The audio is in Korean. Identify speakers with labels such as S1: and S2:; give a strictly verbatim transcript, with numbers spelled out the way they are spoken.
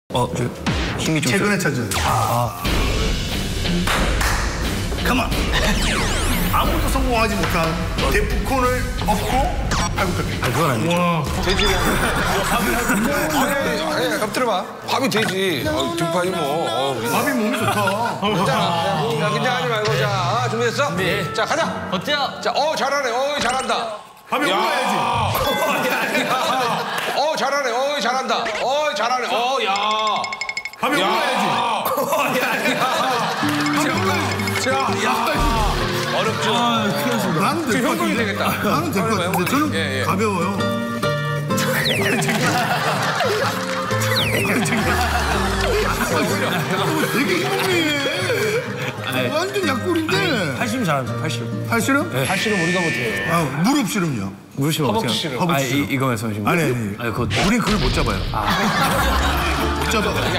S1: 어, 저 힘이 좀
S2: 최근에 찾은. 아. 가만. 아무도 성공하지 못한 데프콘을 업고 팔굽혀펴기.
S1: 아, 그건 아니죠.
S2: 와.
S3: 되지. 아니, 아니, 엎드려봐. 밥이 되지. 어, 등판이 뭐. 어,
S2: 밥이 몸이 좋다.
S3: 괜찮아. 야, 긴장하지 말고. 자, 준비됐어? 네. 자, 가자.
S1: 어때요?
S3: 자, 어, 잘하네. 어, 잘한다.
S2: 밥이 올라야지.
S3: 어, 잘하네. 어, 잘한다. 어, 잘하네. 어, 야.
S2: 밥이 올라야지.
S3: 자, 야. 어렵죠.
S2: 나는 될 것
S3: 현금이
S2: 같은데.
S3: 되겠다.
S2: 나는 될 것 같은데. 저는
S3: 예, 예.
S2: 가벼워요. 되게 힘이 완전 약골인데.
S1: 팔씨름 잘합니다, 팔씨름.
S2: 팔씨름?
S1: 네. 팔씨름 우리가 못해요.
S2: 아, 무릎 씨름요.
S1: 무릎 씨름 어떻게
S3: 허벅지 씨름.
S1: 해요? 아,
S2: 허벅지 씨름.
S1: 이, 이거면서 지금.
S2: 아니, 아니.
S1: 아니, 그거.
S2: 우린 그걸 못 잡아요. 못 잡아.